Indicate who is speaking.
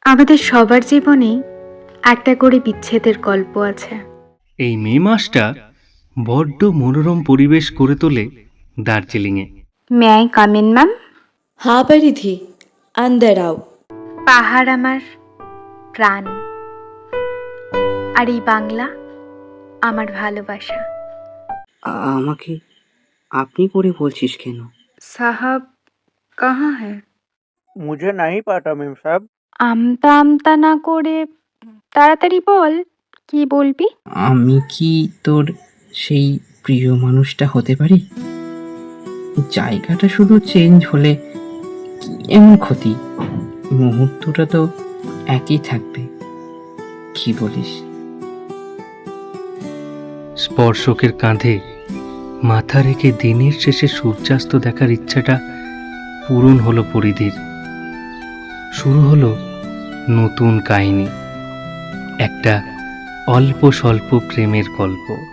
Speaker 1: আমাদের সবার জীবনেই একটা করে বিচ্ছেদের গল্প আছে।
Speaker 2: এই মে মাসটা বড্ড মনোরম পরিবেশ করে তোলে দার্জিলিংয়ে।
Speaker 1: May I come in ma'am?
Speaker 3: हाँ परिधि, अंदर आओ।
Speaker 1: পাহাড় আমার প্রাণ, আর এই বাংলা আমার ভালোবাসা।
Speaker 4: আমাকে আপনি করে বলছিস কেন?
Speaker 1: সাহাব কাহা হ্যাঁ?
Speaker 5: मुझे नहीं पता मेम साहब।
Speaker 1: আমতা আমতা না করে তাড়াতাড়ি বল, কি বলবি?
Speaker 4: আমি কি তোর সেই প্রিয় মানুষটা হতে পারি? জায়গাটা শুধু চেঞ্জ হলে কি এমন ক্ষতি? মুহূর্তটা তো একই থাকবে, কি বলিস?
Speaker 2: স্পর্শকের কাঁধে মাথা রেখে দিনের শেষে সূর্যাস্ত দেখার ইচ্ছাটা পূরণ হলো পরিধির। শুরু হলো নতুন কাহিনী, একটা অল্প স্বল্প প্রেমের গল্প।